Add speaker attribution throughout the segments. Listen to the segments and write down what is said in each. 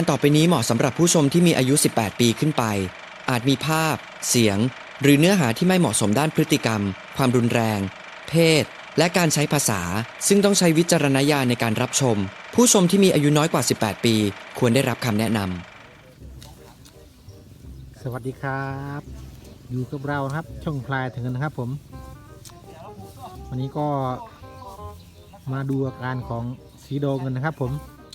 Speaker 1: ต่อไปนี้เหมาะสำหรับผู้ชมที่มีอายุ 18 ปีขึ้นไป อาจมีภาพ เสียง หรือเนื้อหาที่ไม่เหมาะสมด้านพฤติกรรม ความรุนแรง เพศ และการใช้ภาษา ซึ่งต้องใช้วิจารณญาณในการรับชม ผู้ชมที่มีอายุน้อยกว่า 18 ปี ควรได้รับคำแนะน
Speaker 2: สวัสดีครับอยู่กับเราครับช่องพลายถึงกันนะครับผมวันนี้ก็มาดูอาการของสีโดกันนะครับผม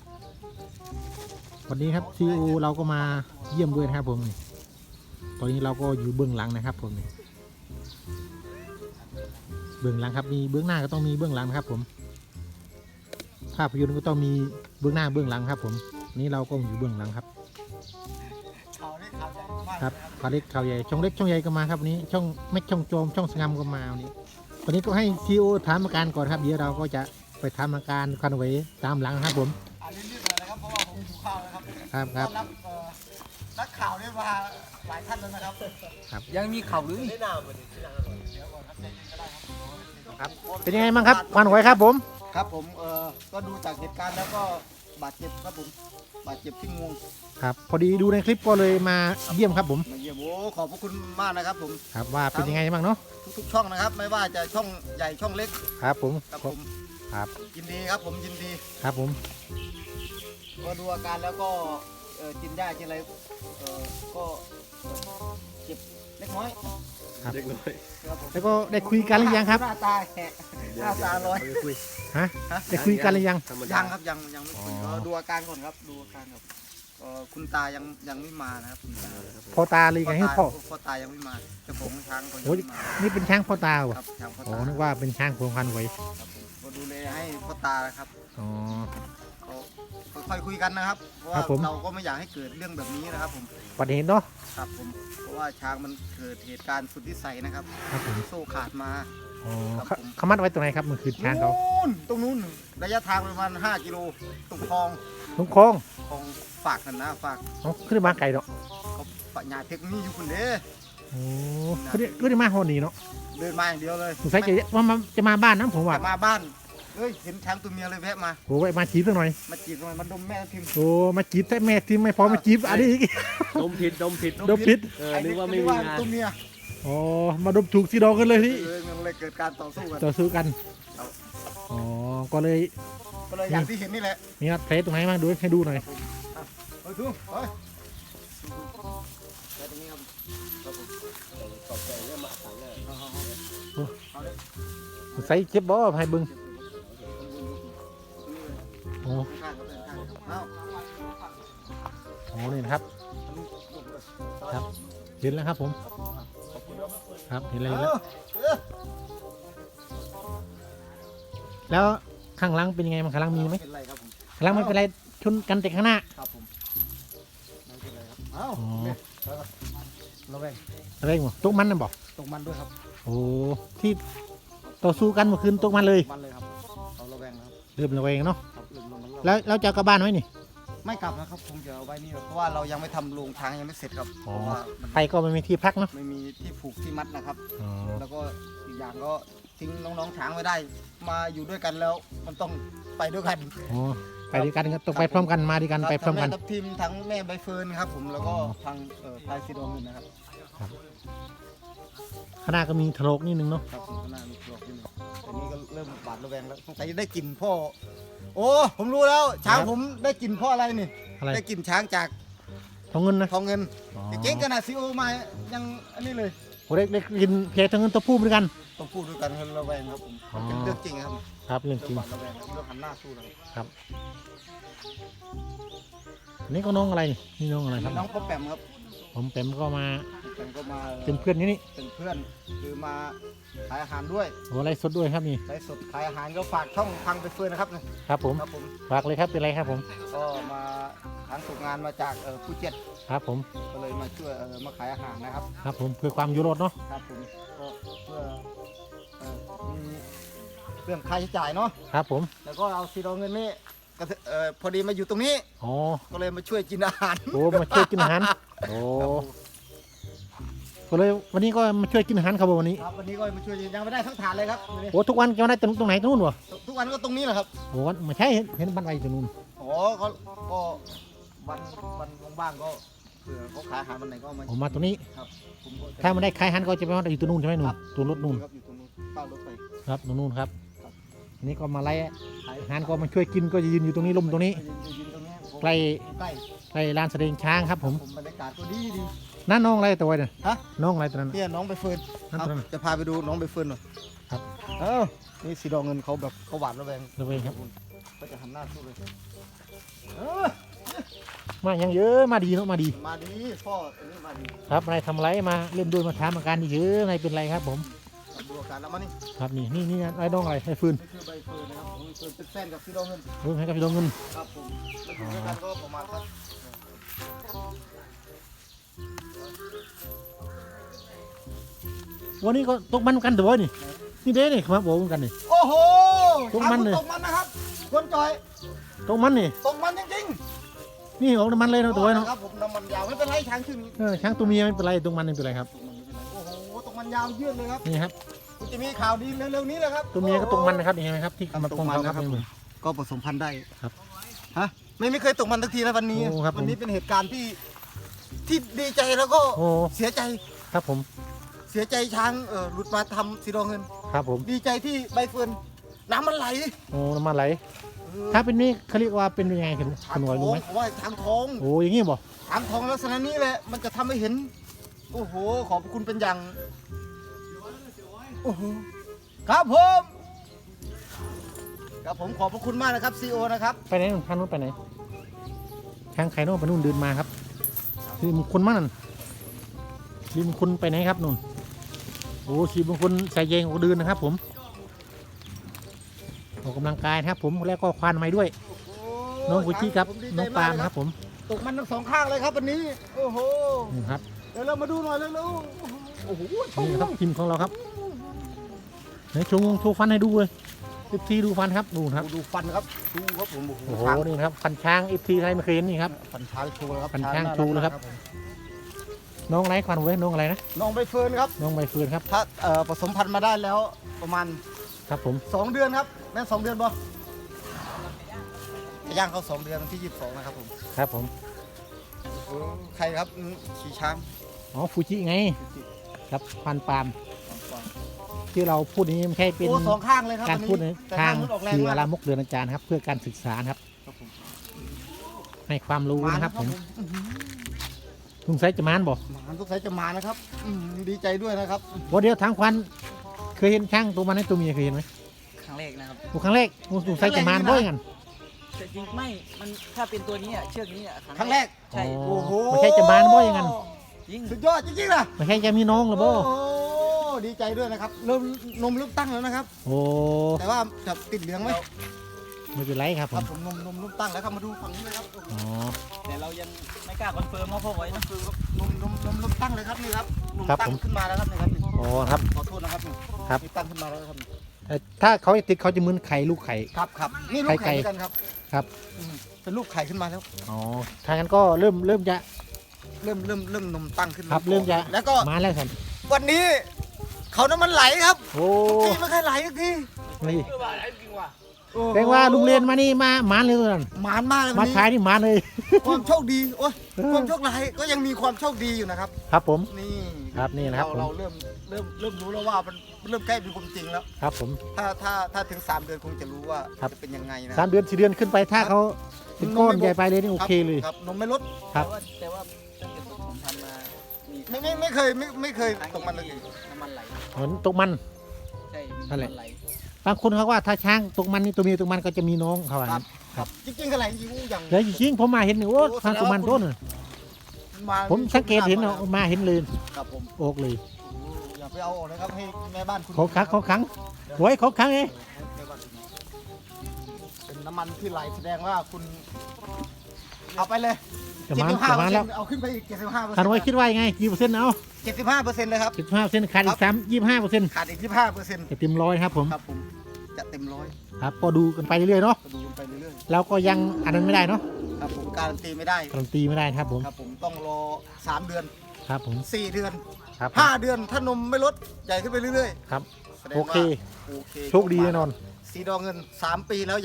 Speaker 2: วันนี้ครับซีอูเราก็มาเยี่ยมด้วยนะครับผมตอนนี้เราก็อยู่เบื้องหลังนะครับผมเบื้องหลังครับมีเบื้องหน้าก็ต้องมีเบื้องหลังครับผมภาพยนตร์ก็ต้องมีเบื้องหน้าเบื้องหลังครับผมนี้เราก็อยู่เบื้องหลังครับครับข่าวเล็กข่าวใหญ่ช่องเล็กช่องใหญ่ก็มาครับวันนี้ช่องแม็กช่องโจมช่องสงามก็มาวันนี้ก็ให้ซีโอถามอาการก่อนครับเดี๋ยวเราก็จะไปทำอาการควันไหวตามหลังครับผม
Speaker 3: รีบๆเลยนะครับเพราะว่าผมหิวข้าวแล้วครับ
Speaker 2: ครับ
Speaker 3: นักข่าวนี่มาหลายท่านแล้วนะครับ
Speaker 2: ครับ
Speaker 4: ยังมีข่าวหรือ
Speaker 2: ครับเป็นยังไงบ้างครับควันไหวครับผม
Speaker 3: ครับผมก็ดูจากเหตุการณ์แล้วก็บาดเจ็บครับผมบาดเจ็บที่งวง
Speaker 2: ครับพอดีดูในคลิปก็เลยมาเยี่ยมครับผม
Speaker 3: มาเยี่ยมโอ้ขอบพระคุณมากนะครับผม
Speaker 2: ครับว่าเป็นยังไงบ้างเนาะ
Speaker 3: ทุกๆช่องนะครับ ไม่ว่าจะช่องใหญ่ช่องเล็ก
Speaker 2: ครับผม
Speaker 3: ครับผม
Speaker 2: ครับ
Speaker 3: ยินดีครับผมยินดี
Speaker 2: ครับผม
Speaker 3: ก็ดูอาการแล้วก็กินยากินอะไรก็เจ็บเล็กน้อย
Speaker 2: ครับ
Speaker 3: ครับผม
Speaker 2: แล้วก็ได้คุยกันหรือยังครับ
Speaker 3: หน้าตาแหกหน้าตาลอย
Speaker 2: ฮะได้คุยกันหรือยัง
Speaker 3: ยังครับยังไม่คุย
Speaker 2: อ๋อ
Speaker 3: ก็ดูอาการก่อนครับดูอาการครับคุณตายังไม่มานะครับคุณตา
Speaker 2: พ่อตาเลยไงให้พ่อ
Speaker 3: พ่อตายังไม่มาเจ้าของช้างก็ยัง
Speaker 2: โอ้ย
Speaker 3: ไม่มา
Speaker 2: นี่เป็นช้างพ่อตาเหรอ
Speaker 3: ครับช้างพ่อ
Speaker 2: อ๋อ
Speaker 3: ตา
Speaker 2: นึกว่าเป็นช้างพวงควันไหว
Speaker 3: ครับผมก็ดูแลให้พ่อตานะครับ
Speaker 2: อ๋อ
Speaker 3: ก็ค่อยๆคุยกันนะครับเพราะ
Speaker 2: ครั
Speaker 3: ว่า
Speaker 2: บผม
Speaker 3: เราก็ไม่อยากให้เกิดเรื่องแบบนี้นะครับผม
Speaker 2: ประเด็นเนาะ
Speaker 3: ครับผมเพราะว่าช้างมันเกิดเหตุการณ์สุดวิสัยนะครับ
Speaker 2: ครับผม
Speaker 3: โซ่ขาดมา
Speaker 2: อ๋อ
Speaker 3: ครับผม
Speaker 2: เขามัดไว้ตรงไหนครับมันคือช้างเขา
Speaker 3: ตรงนู้นระยะทางประมาณ5 กิโลตรงคลอง
Speaker 2: ลุงโค้ง
Speaker 3: คลองฝากกันนะฝาก
Speaker 2: เขาขึ้นมาไกลเนาะ
Speaker 3: เขาปัญญาเทคนิคอยู่คนเด้อ
Speaker 2: โอ้ขึ้นมาหอนี่เนาะ
Speaker 3: เดินมาอย่างเดียวเลย
Speaker 2: สงสัยจะมาบ้านนะผมว่า
Speaker 3: จะมาบ้านเฮ้ยเห็นช้างตัวเมียเลยแวะมา
Speaker 2: โอ้ยมาจีบสักหน่อย
Speaker 3: มาจีบทำไมมันดมแม่พิมพ์
Speaker 2: โอ้มาจีบแต่แม่ทีมไม่พอมาจีบอันนี้อีก
Speaker 4: ดมผิด
Speaker 2: ดมพิษ
Speaker 4: นึกว่าไม่มีงาน
Speaker 3: ตัวเมีย
Speaker 2: อ๋อมาดมถูกสีดองกันเลยที่
Speaker 3: มันเลยเกิดการต่อสู้กัน
Speaker 2: ต่อสู้กันอ๋อก็เลย
Speaker 3: ก็เลยอย่างที่เห็นนี่แหละ
Speaker 2: มีนัดเพลตรงไหนมาดูให้ดูหน่อย
Speaker 3: เฮ้ยดูเฮ้ยตรงนี้ครับครับผมขอบใจเรื่องมาสั่งเลยเอาเลย
Speaker 2: ใส่เจ็บบ่ให้เบึงโอ้
Speaker 3: ข้างๆครับข้างๆเอา
Speaker 2: โหนี่นะครับครับเห็นแล้วครับผมครับเห็นอะไรแล้ว แล้วข้างหลังเป็นยังไงมันข้างหลังมีไหม
Speaker 3: เป็นไรครับผม
Speaker 2: ข้างหลังไม่เป็นไรชนกันแต่ข้างหน้า
Speaker 3: ครับผมไม่เป็นไรครับเอ้า
Speaker 2: อ๋อ
Speaker 3: ระแวง
Speaker 2: อะไรหมดตกมันน่ะบอก
Speaker 3: ตรงมันด้วยครับ
Speaker 2: โอ้ที่ต่อสู้กันเมื่อคืนตกมันเลย
Speaker 3: มันเลยครับเอาระแวงครับ
Speaker 2: เริ่มระแวงเนาะ
Speaker 3: ครับเรื่องมัน
Speaker 2: แล้วเราจะเอากลับบ้านไหมนี่
Speaker 3: ไม่กลับนะครับคงจะเอาไว้นี่เพราะว่าเรายังไม่ทำโรงช้างยังไม่เสร็จครับเพราะว่ามัน
Speaker 2: ไปก็ไม่มีที่พักเนาะ
Speaker 3: ไม่มีที่ผูกที่มัดนะครับ
Speaker 2: อ๋อ
Speaker 3: แล้วก็อีกอย่างก็ทิ้งน้องๆช้างไว้ได้ มาอยู่ด้วยกันแล้วมันต้องไปด้วยกัน
Speaker 2: อ๋อไปด้วยกันก็ต้องไปพร้อมกันมาด้วยกันไปพร้อมกัน
Speaker 3: ทั้งแทับทิมทั้งแม่ใบเฟิร์นครับผมแล้วก็
Speaker 2: อ๋อ
Speaker 3: ทางพายซีดอมนนะครับ
Speaker 2: ข้างหน้าก็มีถลกนิดนึงเนาะ
Speaker 3: ครับผมก็น่ามีกรอกนิดนึงแต่นี้ก็เริ่มบาดระแวงแล้วสงสัยจะได้กลิ่นพ่อโอ้ผมรู้แล้วช้างผมได้กลิ่นพ่ออะไรนี่
Speaker 2: อะไร
Speaker 3: ได้กลิ่นช้างจาก
Speaker 2: ทองเงินนะ
Speaker 3: ทองเงิน
Speaker 2: อ๋อ
Speaker 3: เก่งขนาดซีโอมายังอันนี้เลย
Speaker 2: โอ้เด็กกินเพลทองเงินตัวผู้เหมือนกัน
Speaker 3: ต้องพูดด้วยกันระแวงครับผม
Speaker 2: อ๋อ
Speaker 3: เป็นเรื่องจริงครับ
Speaker 2: ครับเรื่องจริง
Speaker 3: บาดระแวงครับเรื่องหันหน้าสู้นะครับ
Speaker 2: ครับอันนี่ก็น้องอะไรนี่น้องอะไรครับ
Speaker 3: น้องพ่อแปมครับ
Speaker 2: ผมแปมก็มา
Speaker 3: แปมก็มา
Speaker 2: เป็นเพื่อนนี่
Speaker 3: เป็นเพื่อนคือมาขายอาหารด้วย
Speaker 2: โอ้ไรสดด้วยครับนี่
Speaker 3: ไลฟ์สดขายอาหารก็ฝากช่องพังไปเฟื่อนนะครับ
Speaker 2: ครับผม
Speaker 3: ครับผม
Speaker 2: ฝากเลยครับเป็นไรครับผม
Speaker 3: ก็มาทางตกงานมาจากภูเก็ต
Speaker 2: ครับผม
Speaker 3: ก็เลยมาช่วยมาขายอาหารนะครับ
Speaker 2: ครับผมเพื่อความยุโรปเนาะ
Speaker 3: ครับผมก็เพื่อมีเรื่องค่าใช้จ่ายเนาะ
Speaker 2: ครับผม
Speaker 3: แล้วก็เอาซีโรเงินนี่ก็พอดีมาอยู่ตรงนี้
Speaker 2: อ๋อ
Speaker 3: ก็เลยมาช่วยกินอาหาร
Speaker 2: โอ้มาช่วยกินอาหารโอ้ก็เลยวันนี้ก็มาช่วยกินอาหารครับผมวันนี้
Speaker 3: ครับวันนี้ก็มาช่วยยังไม่ได้ทั้งถาดเลยครับ
Speaker 2: โอ้ทุกวันจะได้ตรงไหนตรงนู้นวะ
Speaker 3: ทุกวันก็ตรงนี้แหละครับ
Speaker 2: โอ้ไม่ใช่เห็นบ้านไว้ตรงนู้น
Speaker 3: อ๋อก็วันว่างๆก็เผื่อเขาขายอาหารวันไหนก็เอามา
Speaker 2: ผมมาตรงนี้
Speaker 3: ครับผมก็จะ
Speaker 2: ถ้ามันได้ขายหันก็จะไปว่าอยู่ตรงนู้นใช่ไหมนู่
Speaker 3: ครั
Speaker 2: น
Speaker 3: บ
Speaker 2: ตัวรถนู่น
Speaker 3: ครับอยู่ตรงนู้นป้ายรถไฟ
Speaker 2: ครับตรงนู้นครับ
Speaker 3: ครับ
Speaker 2: อันนี้ก็มาไล่
Speaker 3: ขาย
Speaker 2: หันก็มาช่วยกินก็จะยืนอยู่ตรงนี้ลมตรงนี้
Speaker 3: ยืนตรงนี้ผม
Speaker 2: ใกล้
Speaker 3: ใกล้
Speaker 2: ใกล้ลานแสดงช้างครับผม
Speaker 3: บรรยากาศก็ดีดี
Speaker 2: นั่นน้องอะไรตัวเนี่ย
Speaker 3: ฮะ
Speaker 2: น้องอะไรตัวนั้น
Speaker 3: เนี่ยน้องใบเฟิร์น
Speaker 2: นั่น
Speaker 3: เอา
Speaker 2: ตัวนั้น
Speaker 3: จะพาไปดูน้องใบเฟิร์นหน่อย
Speaker 2: ครับ
Speaker 3: เอ้านี่สีดองเงินเขาแบบเขาหวานระแวง
Speaker 2: ระเวงครับ
Speaker 3: ก็จะหันหน้าสู้เลย
Speaker 2: มายังเยอะมาดีเนาะมาดี
Speaker 3: มาดีพ่ออันนี้มาดี
Speaker 2: ครับนายทำอะไรมาเล่นด้วยมาถามอาการเยอะนายเป็นไรครับผม
Speaker 3: ดูอาการแล้วมานี่
Speaker 2: ครับนี่ไอ้น้องอะไรไอ้ฟืน
Speaker 3: นี่คือใบเฟิร์นนะครับใบเฟิร์นเป็นแฟนกับสีดองเงิน
Speaker 2: ฟืนให้กับพี่ดวงเงิน
Speaker 3: ครับผมแล้วอยู่ด้วยกันก็ประมาณสัก
Speaker 2: วันนี้ก็ตกมันกันตัวนี่นี่เด้นี่ครับบอกกันนี่
Speaker 3: โอ้โห
Speaker 2: ตกมันเลย
Speaker 3: ตกมันนะครับคนจอย
Speaker 2: ตกมันนี่
Speaker 3: ตกมันจริง
Speaker 2: นี่ออกน้ำมันเลย
Speaker 3: ๆ
Speaker 2: เนาะตัวเนาะ
Speaker 3: ครับผมน้ำมันยาวไม่เป็นไรช้างชื่อนี้
Speaker 2: ช้างตัวเมียไม่เป็นไรตกมันไม่เป็นไรครับ
Speaker 3: โอ้โหตกมันยาวยืดเลยครับ
Speaker 2: นี่ครับ
Speaker 3: คุณจะมีข่าวดีเร็วๆนี้เลยครับ
Speaker 2: ตัวเมียก็ตกมันนะครับนี่เห็นไหมครับที่
Speaker 3: ครับ
Speaker 2: มัน
Speaker 3: ต
Speaker 2: ต
Speaker 3: ก
Speaker 2: รง
Speaker 3: มัน
Speaker 2: เขาค
Speaker 3: นะ
Speaker 2: รับ
Speaker 3: ครับ
Speaker 2: นี่มึง
Speaker 3: ก็ผสมพันธุ์ได้
Speaker 2: ครับ
Speaker 3: ฮะไม่เคยตกมันสักทีนะวันนี้
Speaker 2: โอ้ครับผม
Speaker 3: วันนี้เป็นเหตุการณ์ที่ดีใจแล้วก็
Speaker 2: โอ้
Speaker 3: เสียใจ
Speaker 2: ครับผม
Speaker 3: เสียใจช้างหลุดมาทำสีดองเงิน
Speaker 2: ครับผม
Speaker 3: ดีใจที่ใบเฟิร์นน้ำมันไหล
Speaker 2: โอ้น้ำมันไหลถ้าเป็นนี่เขาเรียกว่าเป็นยังไงคุณ
Speaker 3: ช้า
Speaker 2: คุ
Speaker 3: ง
Speaker 2: ณห
Speaker 3: ท
Speaker 2: น่อย
Speaker 3: อ
Speaker 2: รู้
Speaker 3: ง
Speaker 2: ไหม
Speaker 3: ผมว่าช้างทอง
Speaker 2: โอ้อย่างงี้บ่
Speaker 3: ช้างทองลักษณะนี้แหละมันจะทำให้เห็นโอ้โหขอบคุณเป็นอย่างโอ้โหครับผมครับผมขอบพระคุณมากนะครับซีโอนะครับ
Speaker 2: ไปไหนนู่นทางนู้นไปไหนช้างไข่นู่นไปนู่นเดินมาครับคือมงคลมากนั่นรีมงคลไปไหนครับนู่นโอ้ชีมงคลใส่เยงก็เดินนะครับผมออกกำลังกายนะครับผมแล้วก็ควานไม้ด้วย น้องกุจิกับ
Speaker 3: ผมดี
Speaker 2: น้
Speaker 3: ใจ
Speaker 2: องปาล์ม
Speaker 3: กเลย
Speaker 2: ครับผม
Speaker 3: ตกมันทั้งสองข้างเลยครับวันนี้โอ้โห
Speaker 2: นี่ครับ
Speaker 3: เดี๋ยวเรามาดูหน่อยเร็วๆโอ้โหชม
Speaker 2: นี่ครับทีมของเราครับไหนโชว์ฟันให้ดูเลยFT ดูฟันครับดูครับ
Speaker 3: ดูฟันครับดูครับผม
Speaker 2: โอ้โห
Speaker 3: ช้าง
Speaker 2: นี่ครับฟันช้าง FT ใครไม่เคยเห็นนี่ครับ
Speaker 3: ฟันช้างโชว์ครับ
Speaker 2: ฟันช้าง
Speaker 3: น่รัก
Speaker 2: โชว์เลยครับ
Speaker 3: ผม
Speaker 2: น้องไรควันเว้ยน้องอะไรนะ
Speaker 3: น้องใบเฟิร์นครับ
Speaker 2: น้องใบเฟิร์นครับ
Speaker 3: ถ้าผสมพันธุ์มาได้แล้วประมาณ
Speaker 2: ครับผม
Speaker 3: 2 เดือนครับแม่น2 เดือนบ่จะย่างเขา2 เดือนวันที่22นะครับผม
Speaker 2: ครับผม
Speaker 3: ใครครับขี่ช้าง
Speaker 2: อ๋อฟูจิไงครับฟันปาล์มที่เราพูดนี้ไม่ใช่เป็น
Speaker 3: โอ้สองข้างเลยครับ
Speaker 2: การพูดใน
Speaker 3: แต่
Speaker 2: ทาง
Speaker 3: นู้นออกแรง
Speaker 2: คือ
Speaker 3: มาก
Speaker 2: ลามกเดือนอาจารย์ครับ เพื่อการศึกษานะครับ
Speaker 3: ครับผม
Speaker 2: ให้ความรู้นะครับผม
Speaker 3: อื้อหือ
Speaker 2: ลุงไซจะมานบอก
Speaker 3: หมาทุกสายจะมานะครับดีใจด้วยนะครับ
Speaker 2: ว่าเดียวทางควันเคยเห็นช้างตัวมันในตัวเมียเคยเห็นไหม
Speaker 4: ครั้งแรกนะครับ
Speaker 2: ครั้งแรกลุงไซจะมานบ่อยกัน
Speaker 4: แต่จริงไม่มันถ้าเป็นตัวนี้อ่ะเชือกนี้อ่ะ
Speaker 3: ครั้งแรก
Speaker 4: ใช่
Speaker 2: โอ้โหไม่ใช่จะมานบ่อยกัน
Speaker 4: ยิ่ง
Speaker 3: สุดยอดจริงๆนะ
Speaker 2: ไม่ใช่จะมีน้องหรือบ่
Speaker 3: โอ้ดีใจด้วยนะครับเริ่มนมเริ่มตั้งแล้วนะครับ
Speaker 2: โอ้
Speaker 3: แต่ว่าจะติดเหลืองไหม
Speaker 2: ไม่เป็นไรครับ
Speaker 3: ค
Speaker 2: ผ
Speaker 3: รับ
Speaker 2: ม
Speaker 3: ผมนมเริ่มตั้งแล้วครับมาดูฝั่งนี้เลยครับ
Speaker 2: อ๋อ
Speaker 4: แต่เรายังไม่กล้าคอนเฟิร์มว่าพ่อไว้นะ
Speaker 3: นมเริ่มตั้งเลยครับนี่ครับนมตั้งขึ้นมาแล้วครับนี่ครับนี่
Speaker 2: อ๋อครับ
Speaker 3: ขอโทษนะครับนี่
Speaker 2: ครับ
Speaker 3: นี่ตั้งขึ้นมาแล้วครับนี่
Speaker 2: ถ้าเขาติดเขาจะเหมือนไข่ลูกไข่
Speaker 3: ครับนี่ลูก
Speaker 2: ไข่
Speaker 3: ไข่เหมือนกันครับ
Speaker 2: ครับ
Speaker 3: เป็นลูกไข่ขึ้นมาแล้ว
Speaker 2: อ๋อทางนั้นก็เริ่มจะ
Speaker 3: เริ่มนมตั้งขึ้นมา
Speaker 2: ครับเริ่มจะ
Speaker 3: แล้วก็
Speaker 2: มาแล้วครับ
Speaker 3: วันนี้เขาน้ำมันไหลครับ
Speaker 2: โอ้
Speaker 3: ทุกทีไม่เคยไหลทุกที
Speaker 2: นี่
Speaker 3: โอ้โห
Speaker 2: แปลว่าลุงเรียนมานี่มาหมานเลยตัวนั้น
Speaker 3: หมานมากเลย
Speaker 2: มา
Speaker 3: วันนี้
Speaker 2: ขายนี่หมานเลย
Speaker 3: ความโชคดีโอ้ยความโชคร้ายก็ยังมีความโชคดีอยู่นะครับ
Speaker 2: ครับผม
Speaker 3: นี่
Speaker 2: ครับนี่นะครับผม
Speaker 3: เราเริ่มรู้แล้วว่ามันเริ่มใกล้เป็นความจริงแล้ว
Speaker 2: ครับผม
Speaker 3: ถ้าถึง 3 เดือนคงจะรู้ว่า
Speaker 2: ครับ
Speaker 3: จะเป็นยังไงนะ
Speaker 2: 3 เดือน4 เดือนขึ้นไปถ้าเขาเป็นก้อนใหญ่ไปเลยนี่โอเคเลย
Speaker 3: ครับนมไม่ลด
Speaker 2: ครับ
Speaker 4: แต่ว่าตั้งแต่ผมทำมามี
Speaker 3: ไม่เคยตกมันเลย
Speaker 4: น้ำมันไหล
Speaker 2: เหมือนตกมัน
Speaker 4: ใช่มี
Speaker 2: นั่นแหละ
Speaker 4: ำมัไหล
Speaker 2: บางคนเขาว่าถ้าช้างตกมันนี่ตัวเมียตกมันก็จะมีน้องเขาว่า
Speaker 3: ครับ
Speaker 2: ครับ
Speaker 3: จริงๆกันไหลจริงๆอย่าง
Speaker 2: แล้วจริงๆผมมาเห็นนี่โอ้ทางตกมันต้น
Speaker 3: มา
Speaker 2: ผมสังเกตเห็นเอามาเห็นเลย
Speaker 3: ครับผม
Speaker 2: ออกเลย
Speaker 3: อย่าไปเอาออกนะครับให้แม่บ้านคุณ
Speaker 2: เขาขังไว้เขาขังเอง
Speaker 3: แม่บ้านคุณเป็นน้ำมันที่ไหลแสดงว่าคุณเอาไปเลย
Speaker 2: จะมาแล้ว
Speaker 3: เอาขึ้นไปอีก 75%
Speaker 2: คันไว้คิดว่ายังไงกี่เปอร์เซ็นต์เอา
Speaker 3: 75%เลยครับ
Speaker 2: 15%ขาดอีก25%
Speaker 3: ขาดอีก25%
Speaker 2: จะเต็มร้อยครับผม
Speaker 3: ครับผมจะเต็มร้อย
Speaker 2: ครับก็ดูกันไปเรื่อยๆเนาะ
Speaker 3: ก็ดูกันไปเรื่อย
Speaker 2: เราก็ยังอันนั้นไม่ได้เนาะ
Speaker 3: ๆครับผมการันตีไม่ได้
Speaker 2: การันตีไม่ได้ครับผม
Speaker 3: ครับผมต้องรอ3 เดือน
Speaker 2: ครับผม
Speaker 3: 4 เดือน
Speaker 2: ครับ
Speaker 3: 5 เดือนถ้านมไม่ลดใหญ่ขึ้นไปเรื่อย
Speaker 2: ครับ
Speaker 3: ๆแสดง
Speaker 2: โอ
Speaker 3: ว่า
Speaker 2: เค
Speaker 3: โอเค
Speaker 2: โชคดีแน่นอน
Speaker 3: สีดองเงิน3 ปีแล้วยัง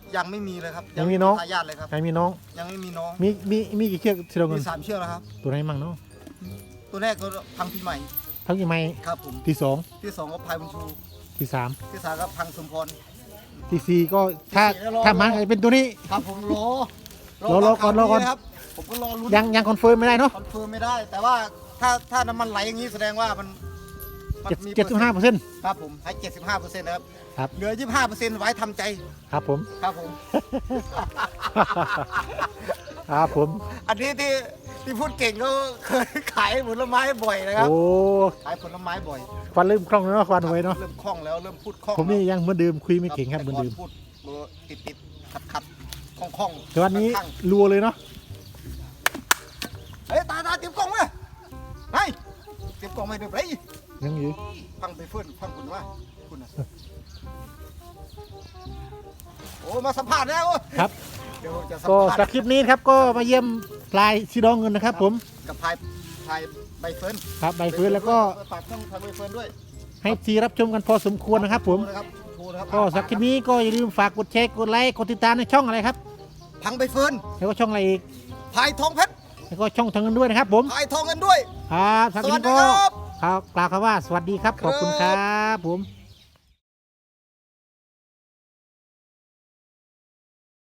Speaker 3: ยังไม่มีเลยครับ
Speaker 2: ยังมีน้อง
Speaker 3: ทายาทเลยครับ
Speaker 2: ใครมีน้อง
Speaker 3: ยังไม่มีน้อง
Speaker 2: มีกี่เชือกสีดองเงิ
Speaker 3: มี
Speaker 2: น
Speaker 3: 3 เชือกแล้วครับ
Speaker 2: ตัวไหนมั่งเนาะ
Speaker 3: ตัวแรกก็พังปีใหม่
Speaker 2: ทั้งกี่ไม้
Speaker 3: ครับผม
Speaker 2: ที่สอง
Speaker 3: ที่2ก็พายบุญชู
Speaker 2: ที่สาม
Speaker 3: ที่3ก็พังสมพร
Speaker 2: ที่สี่ก็ถ้า
Speaker 3: ที่สี่แล้วรอ
Speaker 2: ถ้ามันจะเป็นตัวนี้
Speaker 3: ครับผมรอ
Speaker 2: รอก่อนรอก่อน
Speaker 3: ครับผมก็รอลุ้น
Speaker 2: ยังคอนเฟิร์มไม่ได้เนาะ
Speaker 3: คอนเฟิร์มไม่ได้ แต่ว่าถ้าน้ำมันไหลอย่างนี้แสดงว่ามันมี
Speaker 2: 75%
Speaker 3: ครับผมให้ 75%นะครับ
Speaker 2: ครับ
Speaker 3: เหลือ 25%ไว้ทำใจ
Speaker 2: ครับผม
Speaker 3: ครับผม
Speaker 2: ครับผม
Speaker 3: อันนี้ที่พูดเก่งก็เคยขายผลไม้บ่อยนะครับ
Speaker 2: โอ้
Speaker 3: ขายผลไม้บ่อย
Speaker 2: ควันเริ่มคล่องแล้วเนาะควันไว้เนาะ
Speaker 3: เริ่มคล่องแล้วเริ่มพูดคล่อง
Speaker 2: ผมนี่
Speaker 3: แล้ว
Speaker 2: ยังเหมือนเดิมคุยไม่เก่งครับเหมือน
Speaker 3: แต่
Speaker 2: เดิม
Speaker 3: พูดติดขัดคล่อง
Speaker 2: แต่วันนี้
Speaker 3: ข้าง
Speaker 2: รัวเลยเนาะ
Speaker 3: ๆเฮ้ยตาเตรียมกล้องมาเฮ้ยเตรียมกล้องมาเดี๋ยวไป
Speaker 2: ยังอยู่
Speaker 3: ฟังไปเพื่อนฟังคุณว่าคุณนะโอ้มาสัมภาษณ์แล้ว
Speaker 2: ครับ
Speaker 3: เดี๋ยวจะสัม
Speaker 2: ก็
Speaker 3: ภาษ
Speaker 2: สำหรับ
Speaker 3: ณ์
Speaker 2: คลิปนี้ครับก็มาเยี่ยมพลายสีดองเงินนะครับ ผม
Speaker 3: กับพายใบเฟิร์น
Speaker 2: ครับใบเฟิร์นแล้วก็
Speaker 3: ฝากช่องพายใบเฟิร์นด้วย
Speaker 2: ให้ทีรับชมกันพอสมควรนะครับ ผม
Speaker 3: โทรนะครับ
Speaker 2: ก็สำหรับคลิปนี้ก็อย่าลืมฝากกดแชร์กดไลค์กดติดตามในช่องอะไรครับ
Speaker 3: พังใบเฟิร์น
Speaker 2: แล้วก็ช่องอะไรอีก
Speaker 3: พายทองเพชร
Speaker 2: แล้วก็ช่องทางเงินด้วยนะครับ ผม
Speaker 3: พายทองเงินด้วย
Speaker 2: ครับสำหรับคลิปนี้ก็
Speaker 3: สวัสดีครับ
Speaker 2: กล่าวคำว่าสวัสดีครับขอบคุณครับผม